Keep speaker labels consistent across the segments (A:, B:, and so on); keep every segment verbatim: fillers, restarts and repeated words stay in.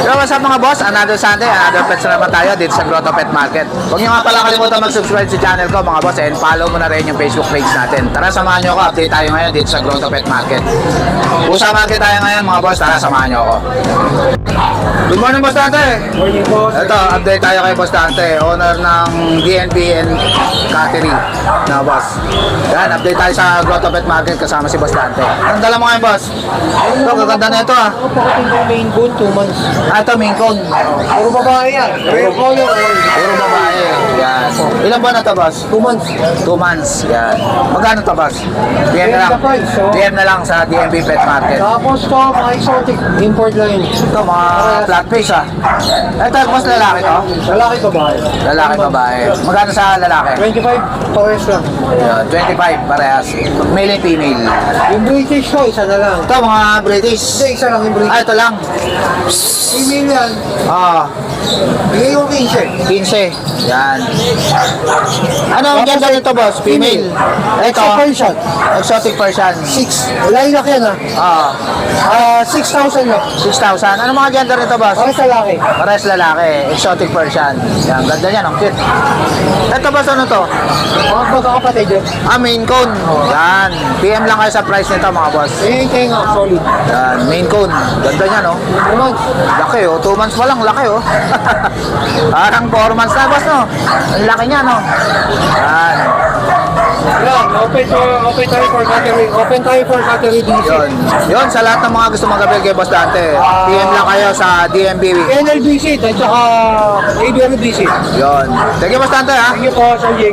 A: So what's up mga boss, another Sunday, another pets na naman tayo dito sa Grotto Pet Market. Huwag niyo nga pala kalimutan mag-subscribe sa channel ko mga boss, and follow mo na rin yung Facebook page natin. Tara samahan niyo ako, update tayo ngayon dito sa Grotto Pet Market. Pusa market tayo ngayon mga boss, tara samahan niyo ako. Good morning Boss Dante.
B: Morning boss.
A: Ito, update tayo kay Boss Dante, owner ng D N B and Cattery na boss. Yan, update tayo sa Grotto Pet Market kasama si Boss Dante. Anong dala mo ngayon boss? Ito, gaganda na ito ah.
B: Ako pakating ko main goal, two months.
A: Ah, ito, main cone.
B: Puro babae yan. Puro color.
A: Puro babae. Yan. Ilan ba na ito, boss?
B: Two months.
A: Two months. Yan. Magkano ito, boss? D M na lang. D M na lang sa D N B Pet Market.
B: Tapos to, mga exotic, import line.
A: Ito, mga flat face, ah. Ito, boss, lalaki to?
B: Lalaki babae.
A: Lalaki, babae. Magkano sa lalaki?
B: twenty-five, pares lang.
A: Yan. twenty-five, parehas. Male and female.
B: Yung British ko, isa na lang.
A: Ito, mga British.
B: Hindi, isa lang yung
A: Ah,
B: British.
A: ito lang.
B: Female yan.
A: Ah,
B: Bigay yung fifteen.
A: fifteen. Yan. Ano ang gender nito, boss? Female. Ito,
B: Exo Persian.
A: exotic Persian.
B: Six. Lilac yan ah.
A: Ah,
B: Ah, six thousand lang.
A: six thousand. Ano mga gender nito, boss?
B: Para sa lalaki.
A: Pares lalaki, exotic Persian. Yan, ganda niyan, ang cute. Ito ba ano to?
B: Mga magkakapatid yun.
A: Ah, main cone. Yan. P M lang kayo sa price nito, mga boss.
B: Eh, kaya nga, solid.
A: Yan, main cone. Ganda niya, no?
B: Two months.
A: Laki, oh. Two months pa lang, laki, oh. Parang four months na, boss, no? Ang laki niya, no? Yan.
B: Yan, open to, open tayo for cattery. Open tayo for cattery D C.
A: Yun. Yun, sa lahat ng mga gusto magabil kay Boss Dante, P M lang kayo sa D M B.
B: N L B C at saka A B R B C.
A: Yun. Thank you, Boss Dante, ha?
B: Thank you po, Sir Jake.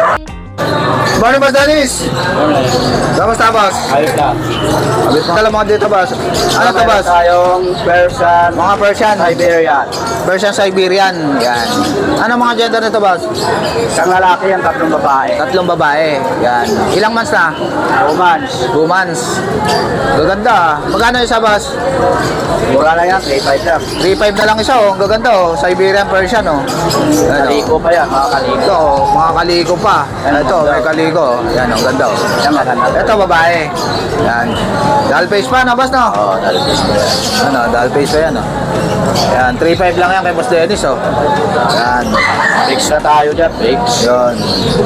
A: Morning, Boss Dennis. Kamusta, boss?
C: Ayos lang.
A: Dala mga dito, boss. Ano to, boss?
C: Tayong Persian,
A: Mga Persian.
C: Siberian.
A: Persian Siberian. Yan. Ano mga gender nito, boss?
C: Isang lalaki yan, tatlong babae.
A: Tatlong babae. Yan. Ilang months na?
C: Two months.
A: Two months. Gaganda, ah. Magkano isa, boss?
C: Mura lang yan, three five lang.
A: three five na lang isa, oh. Ang gaganda, oh. Siberian Persian, oh. Yan, oh.
C: Kaliko pa yan, mga kaliko.
A: Ito, oh. Mga kaliko pa. Ito, may kaliko. Yan, oh. Ganda, oh.
C: Yan, maganda.
A: Ito, babae. Yan. Doll face pa, no, boss, no?
C: Oo, talipis ko yan.
A: Ano, doll face pa yan, oh. Yan, three five lang yan kay Boss Dennis, oh. Yan.
C: Fix na tayo dyan, fix.
A: Yun.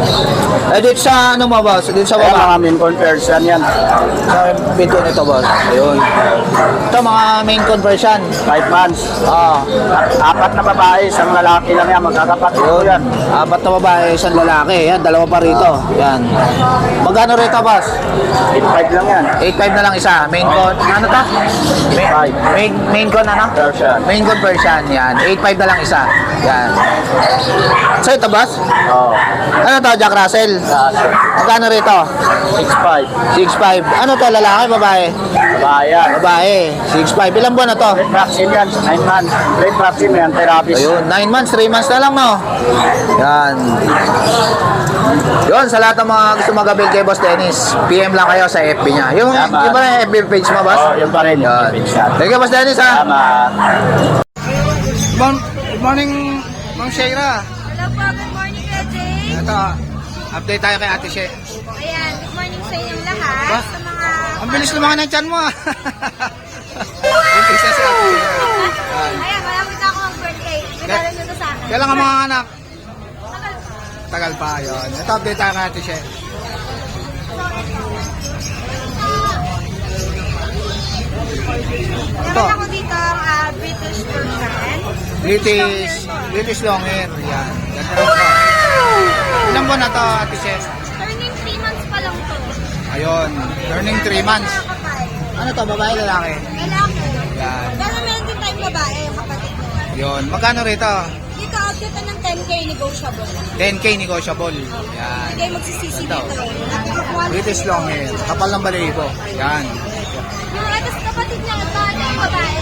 A: Eh, dito sa, ano mo, boss? Dito sa
C: Kaya
A: baba.
C: mga Mincorn Persian yan.
A: Sa pinto nito, boss. Ayun. Ito, mga main conversion.
C: Five months.
A: Ah,
C: Apat na babae, isang lalaki lang yan, magkakapatid ko yan.
A: apat na babae, isang lalaki. Yan, dalawa pa rito. Yan. Magkano rito, boss?
C: eight five lang yan.
A: eight five na lang isa. Main con, ano ta? Main,
C: Five.
A: main, main con, ano?
C: Persian.
A: Main conversion. Yan. eight five na lang isa. Yan. So, ito, boss?
C: Oo.
A: Ano to, Jack Russell? Magkano rito?
C: six five.
A: six five. Ano to, lalaki, babae?
C: Babae yan.
A: Babae. six five. Ilang buwan na to?
C: Red vaccine yan, nine months. Red vaccine yan, therapist.
A: Ayun, nine months, three months na lang, no? Yan. Yun, sa lahat ng mga gusto magabil kay Boss Dennis, P M lang kayo sa F B niya. Yung,
C: Tama.
A: yung ba na F B page mo, boss?
C: Oo, yun pa rin. Yung
A: Yan.
C: fix natin.
A: Thank you, Boss Dennis, ha?
C: Tama.
A: Good morning, Ma'am Shaira.
D: Hello po, good morning Kuya Jay.
A: Ito, update tayo kay Ate She.
D: Ayan, good morning sa inyong lahat.
A: Ba?
D: Sa mga...
A: Ang bilis lumakan ng tiyan mo, ah. Yung isa si Ate She.
D: Ayan, malapit na ako mag-birthday. Regalo nyo to sa akin.
A: Kailan ka mga anak?
D: Tagal pa.
A: Tagal pa, yun. Ito, update tayo kay Ate She.
D: Meron ako dito ang ah, British Persian.
A: British, British long hair. Yan. Ganda rin po. Ilang buwan na to, Ate She?
D: Turning three months pa lang to.
A: Ayun, learning three months.
D: Kapal.
A: Ano to, babae, lalaki?
D: Lalaki.
A: Yan.
D: Pero meron din tayong babae, yung kapatid ko.
A: Yun. Magkano rito?
D: Dito, out dito ng ten K negotiable.
A: ten K negotiable. Yan.
D: Hindi kayo magsisisi
A: Ito.
D: dito. Napaka-quality.
A: British long hair. Kapal ng balahibo. Yan.
D: Yung ito sa kapatid niya, ito yung babae.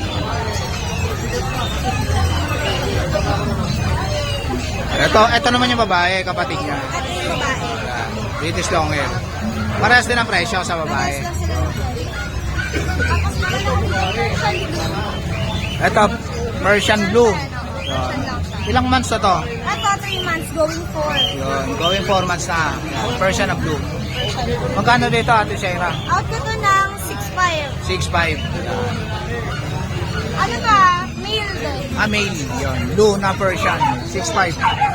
A: Ito, ito naman yung babae, kapatid niya.
D: At yung babae.
A: Yan. British long hair. Parehas din ang presyo sa babae.
D: Lang sila ng Tapos meron ako dito Persian blue.
A: Ito, Persian blue.
D: Persian lang siya.
A: Ilang months na to?
D: Ito, three months, going four.
A: Yun, going four months na. Yan. Persian na blue. Magkano dito, Ate Shaira?
D: Out ko to ng six five.
A: six five.
D: Ano ba? May
A: Ah, male. Yun. Luna Persian. six five.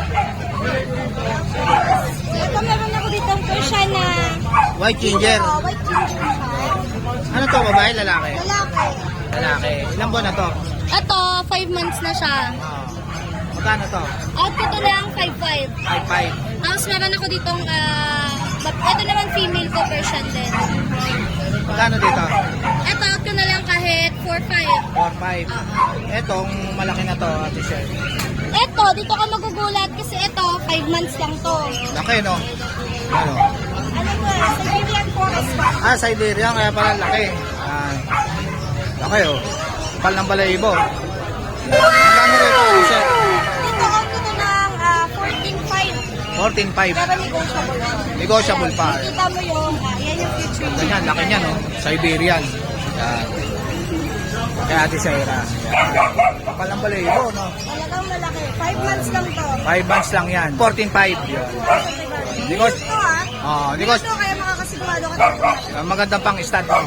D: Ito meron ako dito ang Persian na
A: White ginger.
D: Oh, white ginger siya.
A: Ano to, babae, lalaki?
D: Lalaki.
A: Lalaki. Ilang buwan na to?
D: Ito, five months na siya.
A: Oh. Magkano to?
D: Output ko lang five five.
A: five five.
D: Tapos meron ako ditong, ah, bab- ito naman female ko, Persian din.
A: Magkano dito?
D: Ito, out ko na lang kahit four five.
A: four five. Etong malaki na to, ate Sher.
D: Ito, dito ka magugulat kasi ito, five months lang to.
A: Laki, no? Ano?
D: Ano ko, Siberian Forest pa.
A: Ah, Siberian, kaya pala laki. Ah, laki, oh. Kapal ng balayibo. Magkano rito, ate Sher?
D: Dito, out ko na ng ah, fourteen five.
A: fourteen five.
D: Pero negotiable.
A: Negotiable pa.
D: Kita mo yung, ah, yan yung future.
A: Ganyan, laki niya, no? Siberian. Yan. Kaya ate Shaira. Kapal ng balayibo, no?
D: Talagang malaki. five months lang to.
A: five months lang yan. fourteen five. Yun.
D: Because, ito ah.
A: Oh, because
D: Ito kaya makakasigurado ka dito.
A: uh, magandang pang stud, no?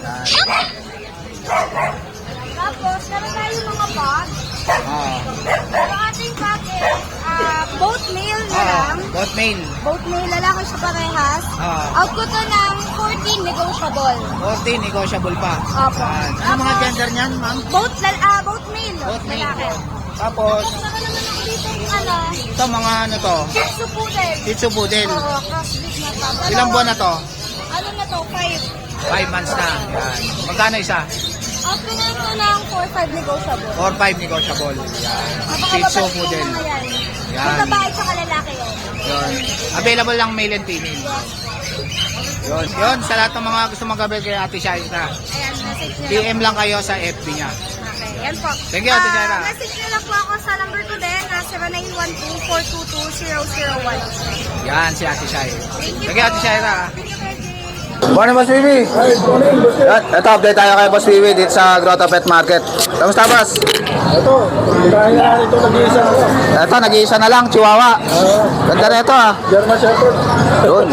D: Tapos, meron tayo mga bag.
A: Oh.
D: Ang ating bag is ah, both male na
A: Oh,
D: lang.
A: both male.
D: Both male, lalaki siya parehas.
A: Oh.
D: Out ko to ng fourteen negotiable.
A: fourteen, negotiable pa.
D: Opo.
A: Yan. Ano mga gender niyan, ma'am?
D: Both, lal ah, both male.
A: Both male.
D: Lalaki.
A: Tapos,
D: Meron naman ako dito yung ano,
A: ito mga ano to?
D: Shih Tzu Poodle.
A: Shih Tzu Poodle.
D: Oo, crossbreed na to.
A: Ilang buwan na to?
D: Ano na to? Five.
A: five months na. Yan. Magkano isa?
D: Out ko na ito ng four five negotiable.
A: four five negotiable. Yan. Shih Tzu
D: Napakababait
A: Poodle.
D: yung mga yan.
A: Yan.
D: Yung babae tsaka lalaki yun.
A: Yun. Available lang male and female. Yun. Yun. Sa lahat ng mga gusto mag-avail kay Ate Shaira.
D: Ayan, message nyo lang.
A: D M lang kayo sa F B niya.
D: Okay, yan po.
A: Thank you, Ate
D: Ah,
A: Shaira.
D: message nyo lang po ako sa number ko din na zero nine one two, four two two, zero zero one.
A: Yan si Ate Shaira.
D: Thank you
A: Thank you, Ate
D: po.
A: Shaira.
D: Thank you, Kuya Jay.
A: Morning, Boss Vivi. Yan, ito, update tayo kay Boss Vivi dito sa Grotto Pet Market. Kamusta, Boss?
B: Ito, dahil na ito nag-iisa ako.
A: Ito, nag-iisa na lang, Chihuahua. Ganda na ito, ah.
B: German Shepherd.
A: Yun.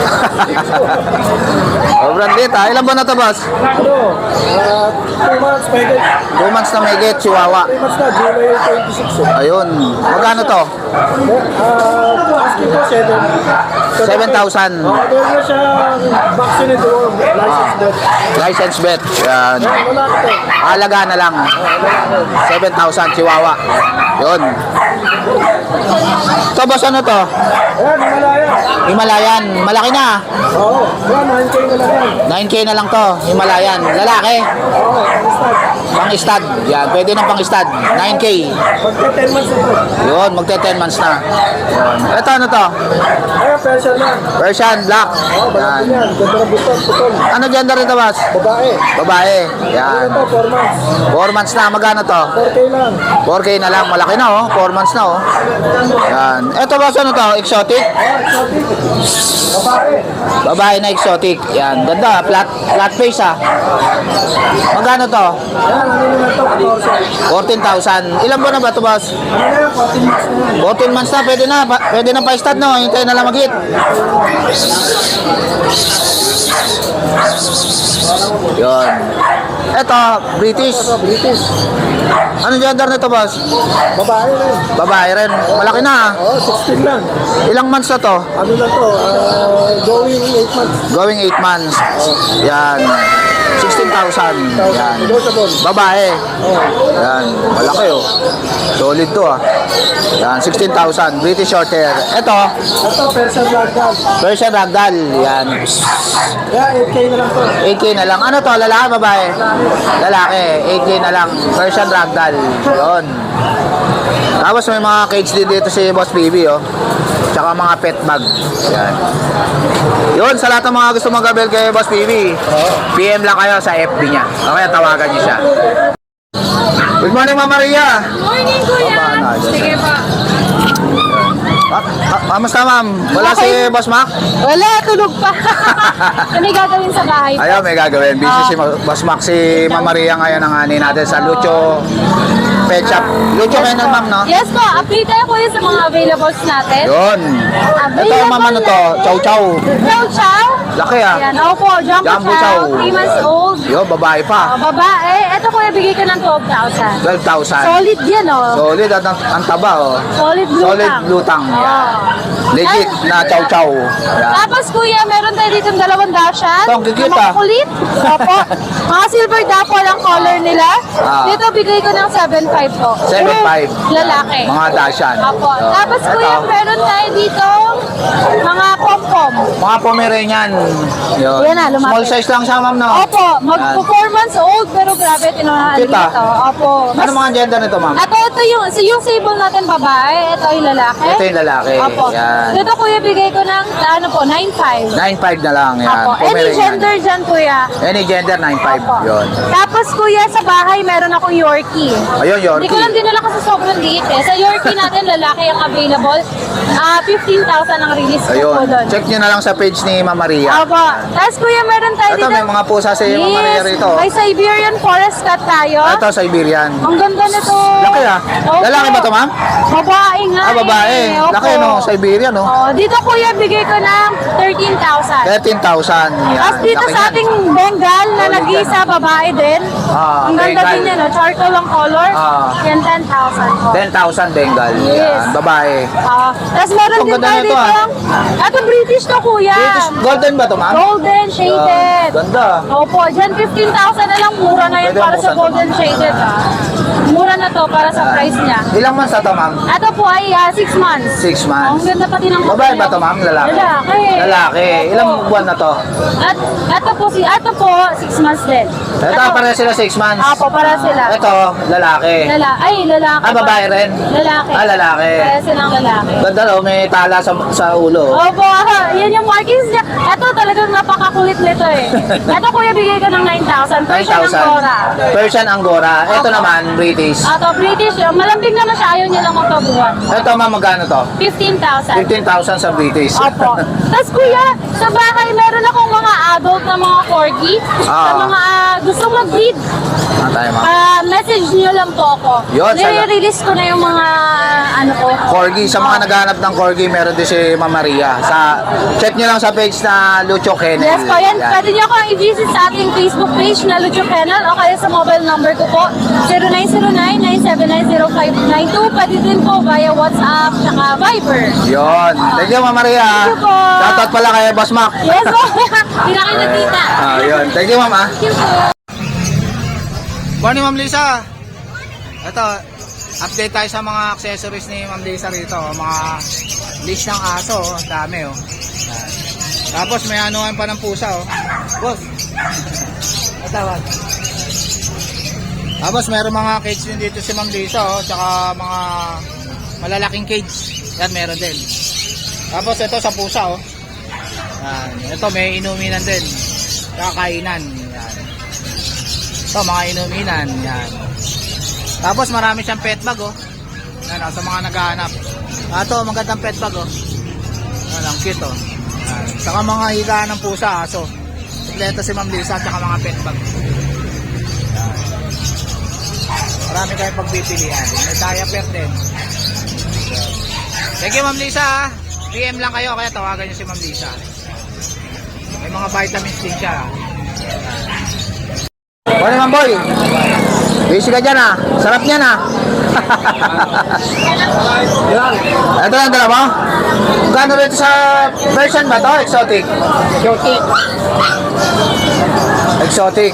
A: Sobrang lit, ah. Ilan ba na to, Boss?
B: Ano, ah, two months, pwede.
A: Two months na may get, Chihuahua.
B: three months na, July twenty-six. eh.
A: Ayun. Magkano to?
B: Ah, asking ko, seven.
A: seven thousand.
B: Oh, meron na siya vaccinated or license death.
A: License bet. Yan.
B: Wala ka to.
A: Alaga na lang. seven thousand, Chihuahua. Yun. Ito, Boss, ano to?
B: Ayan, Himalaya.
A: Himalayan. Malaki na.
B: Oo, yan, nine K na lang yan.
A: nine K na lang to. Himalayan. Lalaki.
B: Oo, pang-start.
A: Pang-stud. Yan. Pwede ng pang-stud. nine K.
B: Pagka ten months na to.
A: Yun. Magte ten months na. Yun. Ito, ano to?
B: Ayan, Persian lang.
A: Persian Black.
B: Oo, balak
A: Yan.
B: din yan. Ganda ng button, putol.
A: Ano gender nito, Boss?
B: Babae.
A: Babae. Yan.
B: Ito, four months.
A: four months na. Magkano to?
B: four K lang.
A: four K na lang. Malaki na, oh. four months na, oh. Yan. Ito, Boss, ano to? Exotic?
B: Ah, exotic. Babae.
A: Babae na exotic. Yan. Ganda. Flat, flat face, ah. Magkano to?
B: Ayan, ano naman to? fourteen.
A: fourteen thousand. Ilan buwan na ba to, Boss?
B: Ano na yan? fourteen months na yan.
A: fourteen months na. Pwede na. Pa- Pwede na pa-stud, no? Hintay na lang mag-hit. Yun. Ito, British.
B: Ito, British.
A: Ano gender nito, Boss?
B: Babae rin.
A: Babae rin. Malaki na, ah.
B: Oo, sixteen lang.
A: Ilang months na to?
B: Ano na to? Ah, going eight months.
A: Going eight months. Yan. sixteen thousand. Yan.
B: Negotiable.
A: Babae.
B: Oo.
A: Yan. Malaki, oh. Solid to, ah. Yan. sixteen thousand. British short hair. Ito,
B: Ito, Persian Ragdoll.
A: Persian Ragdoll. Yan.
B: Yeah, eight K na lang to.
A: eight K na lang. Ano to? Lalaki, babae? Lalaki. eight K na lang. Persian Ragdoll. Yun. Tapos may mga cage din dito si Boss B B, oh. Tsaka mga pet bag. Yan. Yun, sa lahat ng mga gusto mag-avail kay Boss B B, P M lang kayo sa F B niya. Okay, tawagan niyo siya. Good morning, Ma'am Maria.
D: Morning, Kuya. Sige pa.
A: Ah, ah, kamusta, ma'am? Wala si Boss Mac?
D: Wala, tulog pa. Ano yung gagawin sa bahay?
A: Ayaw, may gagawin. Busy si Ma- Boss Mac. Si Ma'am Maria ngayon ang ani natin sa Lucho Pet Shop. Lucho kayo na, ma'am, no?
E: Yes po, update tayo po yun sa mga availables natin.
A: Yun. Ito, ma'am, ano to? Chow Chow.
E: Chow Chow.
A: Laki, ah.
E: Yan, opo, Jumbo,
A: Jumbo
E: Chow,
A: Chow.
E: three months old.
A: Yo, babae pa.
E: Uh, babae, eto kuya, bigyan bigay ko ng twelve thousand.
A: twelve thousand.
E: Solid yan, oh.
A: Solid at ang, ang taba, oh.
E: Solid blue
A: Solid
E: tang.
A: blue tang.
E: Oo.
A: Yan. Legit
E: Ay,
A: na chow-chow. Yan.
E: Tapos kuya, meron tayo dito dalawang dashan.
A: Ito, ang cute,
E: Na mga
A: ah.
E: kulit. Opo. Mga silver dapple ang color nila.
A: Ah.
E: Dito bigay ko ng seven five po.
A: seven five.
E: Puro Lalaki.
A: Mga dashan.
E: Opo.
A: Yan.
E: Tapos kuya,
A: Ito,
E: meron tayo dito mga pom-pom.
A: mga Pomeranian. Yun.
E: Yan na, lumapit.
A: Small size lang siya, ma'am, no?
E: Opo, mag-four months old pero grabe, tinuhaan
A: Cute,
E: dito.
A: ah.
E: Opo.
A: Ano mga gender nito, ma'am?
E: Ito, ito yung, so yung sable natin babae, ito yung lalaki.
A: Ito yung lalaki.
E: Opo.
A: Yan.
E: Dito kuya, bigay ko ng, ano po, nine five.
A: nine five na lang. Yan.
E: Opo. Any
A: Pomeranian.
E: gender dyan, kuya.
A: Any gender, nine five.
E: Opo.
A: Yun.
E: Tapos kuya, sa bahay meron akong Yorkie.
A: Ayun, Yorkie.
E: Hindi ko lang dinala kasi sobrang liit eh. Sa Yorkie natin, lalaki ang available. Ah, fifteen thousand ang release ko po
A: Ayun.
E: doon.
A: Check nyo na lang sa page ni Ma'am Maria.
E: Opo. Tapos kuya, meron tayo
A: Ito,
E: dito.
A: may mga pusa si Ma'am Maria rito.
E: May Siberian Forest Cat tayo.
A: Ito, Siberian.
E: Ang ganda nito.
A: Laki, ah.
E: Opo.
A: Lalaki ba ito, ma'am?
E: Babae nga
A: Ah, babae.
E: eh. Opo.
A: Laki, no? Siberian, no?
E: Oh, dito kuya, bigay ko ng thirteen thousand.
A: thirteen thousand. Yan.
E: Tapos dito
A: Laki
E: sa
A: yan.
E: ating Bengal na
A: Solid
E: nag-iisa babae din.
A: Ah,
E: ang ganda
A: Bengal.
E: din yan, no? Charcoal ang color.
A: Ah.
E: Yan, ten thousand po.
A: ten thousand Bengal.
E: Yes.
A: Yan. Babae.
E: Ah, tapos meron
A: Ang
E: din
A: ganda
E: tayo
A: nito,
E: dito.
A: ah.
E: Ito British to kuya.
A: British Golden ba ito, ma'am?
E: Golden shaded.
A: Yan. Ganda.
E: Opo, dyan fifteen thousand na lang. Mura na yan
A: Pwede
E: para
A: ang
E: sa
A: buksan
E: golden shaded. Ah. Mura na to para sa price niya.
A: Ilang months na to, ma'am?
E: Ito po ay six months.
A: Six
E: Oh,
A: months.
E: ang ganda pati ng
A: Babae ba to, ma'am? Lalaki?
E: Lalaki.
A: Lalaki.
E: Opo.
A: Ilang buwan na to?
E: At ito po si ito po six months din.
A: Ito, pareha sila six months.
E: Apo, para sila.
A: Ito, lalaki.
E: Lala ay lalaki.
A: Ah, babae rin?
E: Lalaki.
A: Ah, lalaki.
E: Para silang lalaki.
A: Ganda, no? May tala sa, sa ulo.
E: Opo, ah, yan yung markings niya. Ito talagang napakakulit nito eh. Ito kuya, bigay ko ng nine thousand.
A: nine
E: Persian
A: thousand.
E: Angora.
A: Persian Angora. Ito
E: Opo.
A: naman, British.
E: Ito, British. Malambing naman siya. Ayaw niya lang magpabuhan.
A: Ito, ma'am, magkano to?
E: fifteen thousand.
A: fifteen thousand sa British.
E: Opo. Tapos kuya, sa bahay meron akong mga adult na mga corgi. Sa
A: Ah.
E: mga ah, gusto mag-breed.
A: Ano tayo, ma'am?
E: Ah, message niyo lang po ako.
A: Yun, sa-
E: Nire-release ko na yung mga ano ko.
A: Corgi. Sa mga naghahanap ng Corgi, meron din si Ma'am Maria. Sa, check nyo lang sa page na Lucho Kennel.
E: Yes po, yan. Pwede niyo akong i-visit sa ating Facebook page na Lucho Kennel o kaya sa mobile number ko po zero nine zero nine, nine seven nine zero five nine two. Pwede din po via WhatsApp tsaka Viber.
A: Yun. Thank you, Ma'am Maria.
E: Thank you po.
A: Shoutout pala kay Boss Mac.
E: Yes po. Pinakain na tita.
A: Ah, yun. Thank you, Ma'am. Ah.
E: Thank you po.
A: Morning, Ma'am Lisa. Ito, update tayo sa mga accessories ni Ma'am Lisa rito. Mga leash ng aso, oh. Dami, oh. Yan. Tapos may anuhan pa ng pusa, oh. Boss. Ito, boss. Tapos meron mga cage din dito si Ma'am Lisa, oh. Tsaka mga malalaking cage. Yan, meron din. Tapos ito sa pusa, oh. Yan. Ito, may inuminan din. Kakainan. Yan. Ito, mga inuminan. Yan. Tapos marami siyang pet bag, oh. Yan, oh, sa mga naghahanap. Ah, ito, magandang pet bag, oh. Yan, ang cute, oh. Yan. Saka mga higaan ng pusa, aso. Kompleto si Ma'am Lisa, saka mga pet bag. Yan. Marami kayong pagpipilian. May diaper din. Yan. Thank you, Ma'am Lisa, ah. P M lang kayo, kaya tawagan niyo si Ma'am Lisa. May mga vitamins din siya. Morning, Ma'am Boy. Busy ka dyan, ah. Sarap niyan, ah. Ito lang dala mo? Gano'n rin sa version ba to? Exotic? Exotic. Exotic.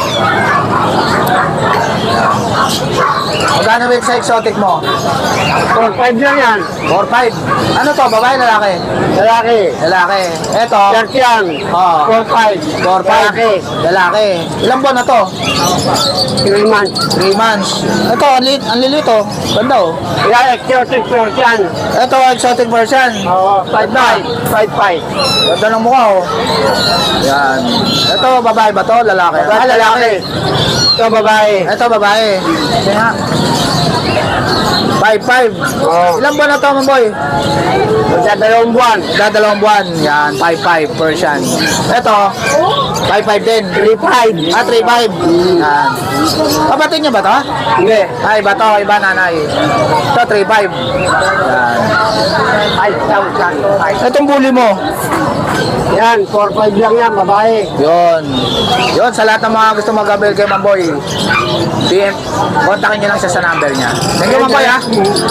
A: Magkano rin sa exotic mo?
C: four five lang yan.
A: four five. Ano to? Babae, lalaki?
C: Lalaki.
A: Lalaki. Ito.
C: Persian.
A: Oo.
C: four five.
A: four five.
C: Lalaki.
A: Lalaki. Ilang buwan na to?
C: three months.
A: three months. Ito, ang lilit, ang lilit oh. Ganda oh.
C: Yan, exotic Persian.
A: Ito, exotic version.
C: Oo, five five. five five.
A: Ganda ng mukha oh. Yan. Ito, babae ba to? Lalaki? Ah, lalaki.
C: Ito babae.
A: Ito, babae. Sige nga. five five.
C: Oo.
A: Ilang buwan na to, Mamboy?
C: Sa dalawang buwan.
A: Dalawang buwan. Yan, five five Persian. Ito, five five din.
C: three five.
A: Ah, three five. Yan. Kapatid niya ba to?
C: Hindi.
A: Ay, iba to, iba nanay. Ito, three five. Yan.
C: five thousand.
A: Itong bully mo.
C: Yan, four five lang yan, babae.
A: Yun. Yun, sa lahat ng mga gusto mag-avail kay Mamboy, P M, kontakin niyo lang siya sa number niya. Thank you, Mamboy, ha?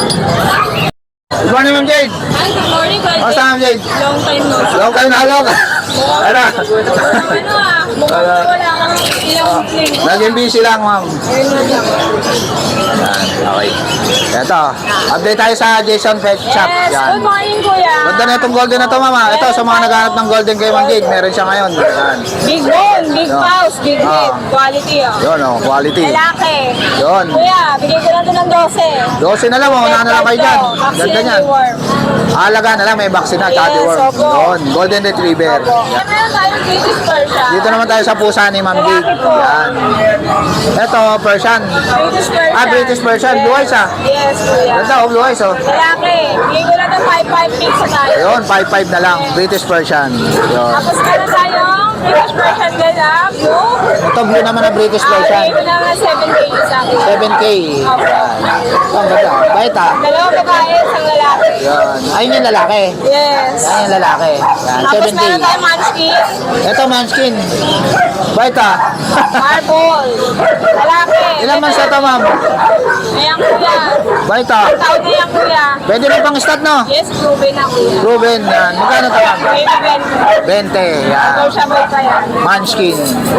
A: Good morning, Ma'am Jade.
E: Hi, good morning, Kuya
A: Kamusta, Ma'am Jade?
E: Long time no see.
A: Long time na halong. Ano?
E: Ano ah, mukhang
A: Wala.
E: wala kang ilang linggo.
A: Naging busy lang, ma'am. Yan, okay. Ito, update tayo sa Jason Pet Shop.
E: Yes,
A: Yan.
E: good morning, Kuya.
A: Ganda na itong golden na to, mama. Ito, sa mga naghahanap ng golden kay Ma'am Jade, meron siya ngayon. Yan.
E: Big bone, big
A: Yan.
E: paws, big
A: Ah.
E: head, quality oh.
A: Yun, oh, quality.
E: Lalaki.
A: Yun.
E: Kuya, bigay ko lang ito ng twelve.
A: Dose na lang, oh. Una na lang kayo dyan.
E: Vaccine
A: Ganda
E: and
A: niyan.
E: deworm.
A: Alaga na lang, may vaccine na, tsaka
E: Yes,
A: deworm.
E: opo.
A: Yun, golden retriever.
E: Opo. Kaya meron tayong British Persian.
A: Dito naman tayo sa pusa ni Ma'am Jade.
E: Lalaki po.
A: Yan. Ito, Persian.
E: British Persian.
A: Ah, British Persian. Blue eyes, ah.
E: Yes, Kuya.
A: Ganda, oh, blue eyes, oh.
E: Lalaki. Bigay ko lang ng five five mix sa tayo.
A: Ayun, five five na lang. British Persian. Yun.
E: Tapos meron tayong British Persian din ah, blue.
A: Ito, blue naman na British
E: Ah,
A: Persian.
E: bigay ko lang ng seven K sa akin.
A: seven K.
E: Opo.
A: Ito, ang ganda. Bait, ah.
E: Dalawang babae, isang lalaki.
A: Yan. Ayun yung lalaki.
E: Yes.
A: Yan yung lalaki. Yan,
E: Tapos
A: seven K.
E: meron tayong munchkin,
A: Ito, manskin. Bait, ah.
E: marble, lalaki.
A: Ilan months na ito, ma'am?
E: Ayan, kuya.
A: Bait, ah.
E: Taon na yan, kuya.
A: Pwede rin pang stat, no?
E: Yes, proven na, kuya.
A: Ruben, yan. Magkano ito, ma'am?
E: Baby Ben.
A: twenty. Yan.
E: Negotiable pa yan.
A: Manskin.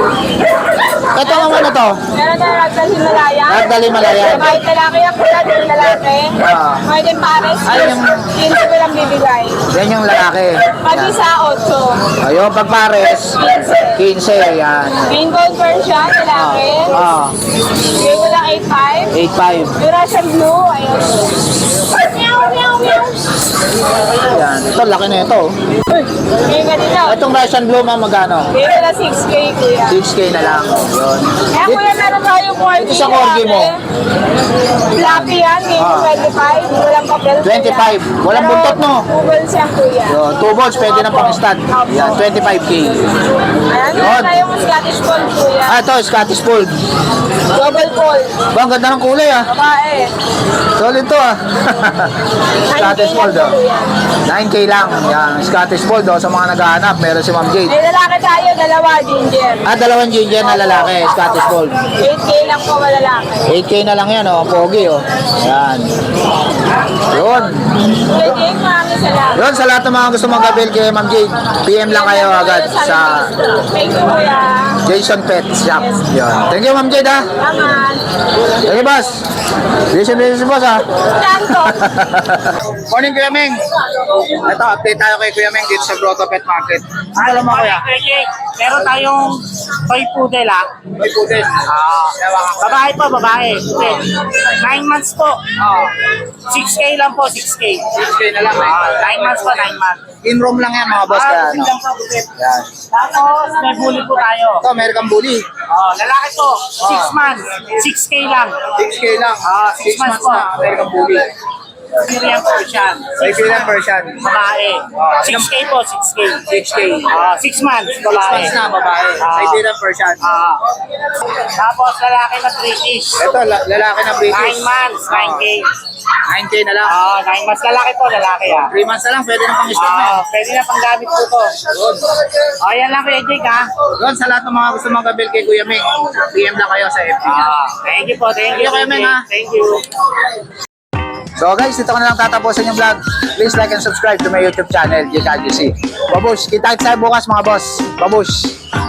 A: Ito naman ano to?
E: Meron tayong Ragdoll Himalayan.
A: Ragdoll Himalayan.
E: Kahit lalaki yan, kuya, din lalaki.
A: Ah.
E: Pwede pares.
A: Ay, yung-
E: quince ko lang bibigay.
A: Yan yung lalaki.
E: Pati
A: Yan.
E: sa otso.
A: Ayun, pag pares,
E: quince.
A: fifteen. Yan.
E: Green gold version, lalaki.
A: Ah,
E: Bigay ko lang eight five.
A: eight five.
E: Yung Russian blue, ayun. Meow, meow, meow.
A: Yan. Ito, laki na ito.
E: Bigay ka dito.
A: Itong Russian Blue, ma'am, magkano?
E: Bigay ko lang six K, kuya.
A: six K na lang. Yun.
E: Kaya kuya, meron tayong corgi.
A: Ito sa corgi mo.
E: Fluffy yan, bigay ko
A: Ah.
E: twenty-five. Walang papel. kuya.
A: twenty-five. Walang
E: Pero
A: buntot, no?
E: two balls yan, kuya.
A: Yun. Two balls, pwede na pang stud. Yan, twenty-five K.
E: Ayan,
A: Yun.
E: meron tayong Scottish Fold, kuya.
A: Ah, ito, Scottish Fold.
E: Double fold.
A: Ba, ang ganda ng kulay, ah.
E: Babae.
A: Solid to, ah. Scottish Fold, oh.
E: Kuya.
A: nine K lang. Yan, Scottish Fold, oh. Sa mga naghahanap, meron si Ma'am Jade.
E: May lalaki tayo, dalawa, ginger.
A: Ah, dalawang ginger na lalaki, Scottish Fold.
E: eight K lang po malalaki.
A: eight K na lang yan, oh. Pogi, oh. Yan. Yun.
E: Kuya Jake, maraming salamat.
A: Yun, sa lahat ng mga gusto mag-avail kay Ma'am Jade, P M lang kayo agad sa
E: Thank you, kuya.
A: Jason Pet Shop. Yun. Thank you, Ma'am Jade, ha.
E: Salamat.
A: Thank you, boss. Listen, listen, boss, ha.
E: Tanto.
A: Morning, Kuya Meng. Ito, update tayo kay Kuya Meng dito sa Grotto Pet Market. Ano alam mo, Kuya?
F: Okay, meron tayong toy poodle ah.
A: May putin.
F: Ah, babae po, babae. Poodle. Nine months po. Oh. six K lang po, six K.
A: six K na lang,
F: Ah,
A: eh.
F: nine months po, nine months.
A: In-room lang yan, mga boss.
F: Ah,
A: Kaya,
F: poodle
A: ano.
F: lang po, poodle.
A: Yan.
F: Tapos, may bully po tayo.
A: Ito, American Bully.
F: Oh, lalaki po, six months, six K lang.
A: six K lang.
F: Ah,
A: six
F: six months
A: months na,
F: po.
A: American Bully.
F: Syrian Persian.
A: Siberian Persian.
F: Babae. six K po, six K.
A: six K.
F: Ah, six months,
A: six
F: babae.
A: months na, babae.
F: Ah.
A: Siberian Persian.
F: Ah. Tapos, lalaki na British.
A: Ito, la- lalaki na British.
F: Nine months, nine K.
A: nine K na lang.
F: Ah, nine months. Lalaki po, lalaki ah.
A: three months na lang, pwede na pang start na.
F: Ah, pwede na pang gamit po to. Oh, yan lang Kuya Jake ha.
A: Doon, sa lahat ng mga gusto mag-avail kay Kuya Meng, P M lang kayo sa F B niya.
F: Ah, thank you po, thank you.
A: Thank you, Kuya Meng, ha.
F: Thank you.
A: So guys, dito ko na lang tatapusin yung vlog. Please like and subscribe to my YouTube channel, J K G C. Babush, kita tayo bukas mga boss. Babush.